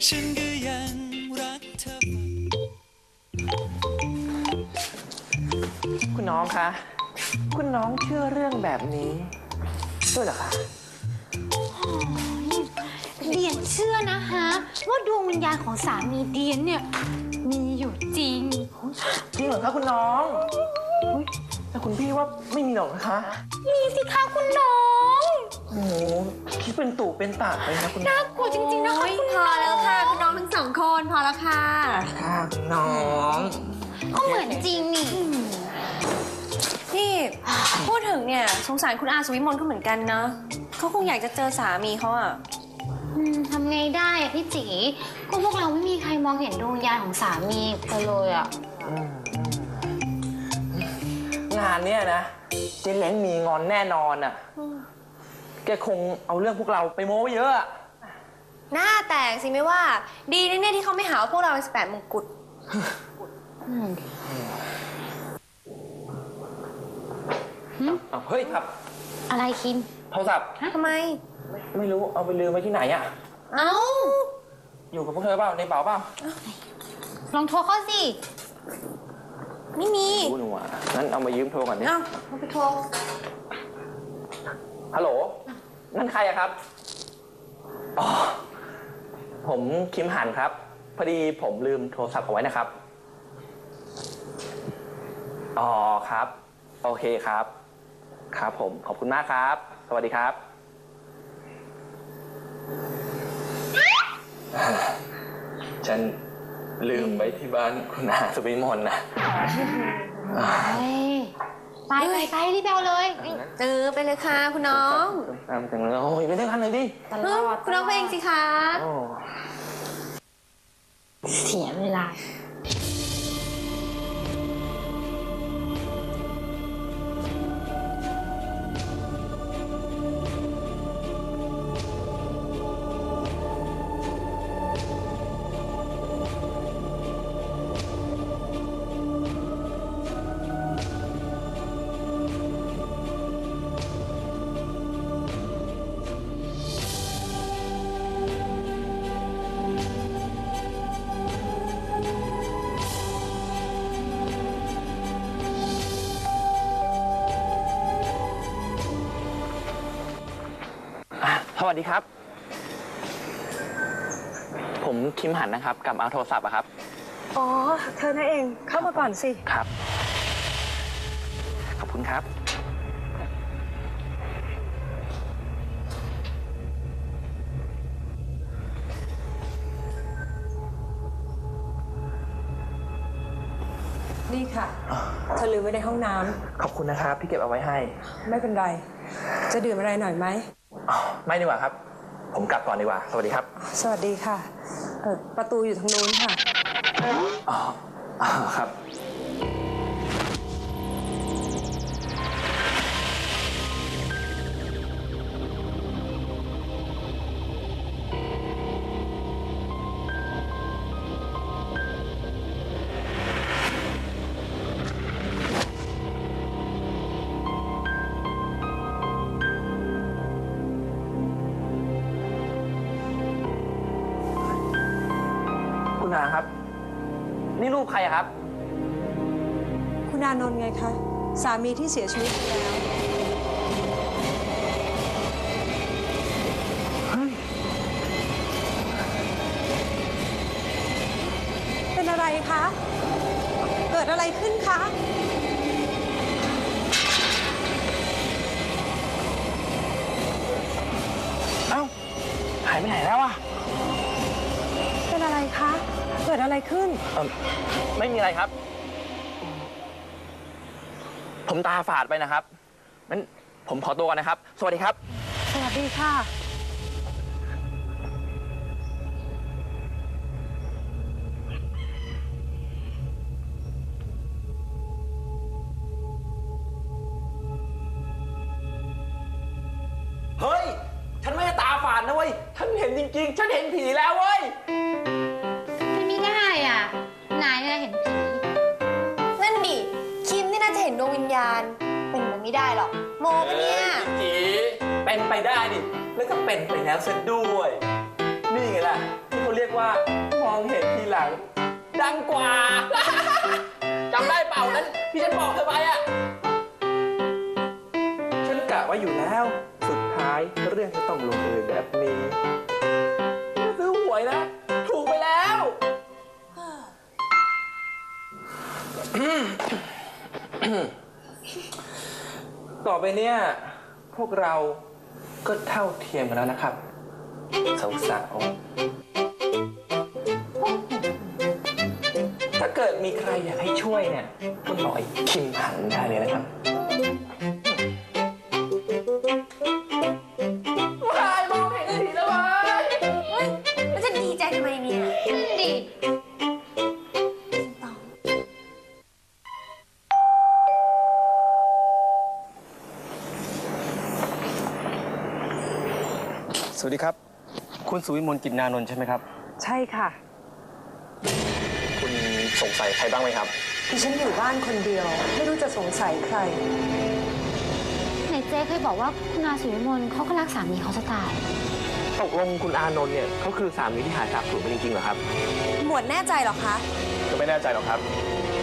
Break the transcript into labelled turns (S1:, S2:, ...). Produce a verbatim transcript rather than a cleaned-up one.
S1: ฉันก็ยังรักเธอ
S2: คุณน้องคะคุณน้องเชื่อเรื่องแบบนี้ด้วยเหรอคะ
S3: เดียนเชื่อนะคะว่าดวงวิญญาณของสามีเดียนเนี่ยมีอยู่จริง
S2: จริงเหรอคะคุณน้องแต่คุณพี่ว่าไม่มีหรอกนะคะ
S3: มีสิคะคุณน้อง
S2: โอ้โหคิดเป็นตู่เป็นตาเลยนะคุณน้อง
S3: น่ากลัวจริงๆนะคะคุณ
S4: พอแล้วค่ะคุณน้องทั้งสองคนพอแล้วค่ะ
S2: ค่ะคุณน้อง
S3: ก็เหมือนจริงนี่
S4: พี่พูดถึงเนี่ยสงสารคุณอาสุวิมลก็เหมือนกันเนาะเขาคงอยากจะเจอสามีเขาอะ
S3: อืมทำไงได้อะพี่จีก็พวกเราไม่มีใครมองเห็นดวงวิญญาณของสามีกันเลยอะ
S2: งานเนี้ยนะเจ๊เล้งมีงอนแน่นอนอ่ะแกคงเอาเรื่องพวกเราไปโม้ไว้เยอะอะ
S4: หน้าแตกสิไม่ว่าดีนะเนี่ยที่เขาไม่หาว่าพวกเราเป็นสิบแปดมงกุฎ
S2: เอาเฮ้ยครับ
S3: อะไรคิม
S2: โทรศัพท์
S4: ทำไม
S2: ไม่รู้เอาไปลืมไว้ที่ไหนอ่ะ
S4: เอ้า
S2: อยู่กับพวกเธอเปล่าในเป๋าเปล่า
S3: ลองโทรเข้าสิ
S4: ไม่มี
S2: รู้หนูอ่ะงั้นเอามายืมโทรก่อนดิ
S4: เอ้าเอาไปโทร
S2: ฮัลโหลนั่นใครอะครับอ๋อผมคิมหันครับพอดีผมลืมโทรศัพท์เอาไว้นะครับอ๋อครับโอเคครับครับผมขอบคุณมากครับสวัสดีครับฉันลืมไว้ที่บ้านคุณอาสุวิมลนะ
S3: ไปไปไปรีบเอาเลย
S4: เออไปเลยค่ะคุณน้อง
S2: ตามจังเลยโอ้ยไปด้วยกันเลยดิ
S3: ตลอด
S4: คุณน้องไปเองสิคะ
S2: โอ้
S3: เสียเวลา
S2: สวัสดีครับผมคิมหันนะครับกลับมาเอาโทรศัพท์อะครับ
S5: อ๋อ เธอนั่นเอง เข้ามาก่อนสิ
S2: ครับขอบคุณครับ
S5: นี่ค่ะ เธอลืมไว้ในห้องน้ำ
S2: ขอบคุณนะครับที่เก็บเอาไว้ให้
S5: ไม่เป็นไร จะดื่มอะไรหน่อยไหม
S2: อ๋อไม่ดีกว่าครับ ผมกลับก่อนดีกว่าสวัสดีครับ
S5: สวัสดีค่ะเออประตูอยู่ทางนู้นค่ะ
S2: อ๋ออ๋อครับคุณอาครับ นี่รูปใครอะครับ
S5: คุณอานนท์ไงคะ สามีที่เสียชีวิตไปแล้ว เป็นอะไรคะ เกิดอะไรขึ้นคะ
S2: เอ้าหายไปไหนแล้วอะ
S5: เป็นอะไรคะ เกิดอะไรขึ้น
S2: เออไม่มีอะไรครับ ผมตาฝาดไปนะครับงั้นผมขอตัวก่อนนะครับ สวัสดีครับ
S5: สวัสดีค่ะ
S2: เฮ้ย ฉันไม่ได้ตาฝาดนะเว้ย ฉันเห็นจริงๆ ฉันเห็นผีแล้วเว้ย
S3: มันไม่ได้อ่ะนายเนี่ยเห็นผี
S4: นั่นดิคิมนี่น่าจะเห็นดวงวิญญาณเป็นไปไม่ได้หรอกโมปะเนี่ย
S2: จีเป็นไปได้ดิ แล้วก็เป็นไปแล้วซะด้วย นี่ไงล่ะ ที่เขาเรียกว่ามองเห็นทีหลัง ดังกว่า จำได้เปล่านั้นที่ฉันบอกเธอไปอ่ะ ฉันกะไว้อยู่แล้ว สุดท้ายเรื่องจะต้องลงเอยแบบนี้ซื้อหวยนะ ถูกไปแล้ว ต่อไปเนี่ย พวกเราก็เท่าเทียมกันแล้วนะครับ สาวๆถ้าเกิดมีใครอยากให้ช่วยเนี่ย ก็บอกไอ้คิมหันได้เลยนะครับวายมองเห็นได้ทีแล้ววาย
S4: เฮ้ยแล้วจะดีใจทำไมเนี่ย
S3: นั่นดิ
S6: สวัสดีครับ คุณสุวิมลกิจนานนท์ใช่ไหมครับ
S5: ใช่ค่ะ
S2: คุณสงสัยใครบ้างไหมครับ
S5: ดิฉันอยู่บ้านคนเดียว ไม่รู้จะสงสัยใคร
S3: ไหนเจ๊เคยบอกว่าคุณอาสุวิมลเขาก็รักสามีเขาจะตาย
S2: ตกลงคุณอานนท์เนี่ยเขาคือสามีที่หายสาบสูญไปจริงๆเหรอครับ
S4: หมวดแน่ใจเหรอคะ
S6: ก็ไม่แน่ใจหรอกครับ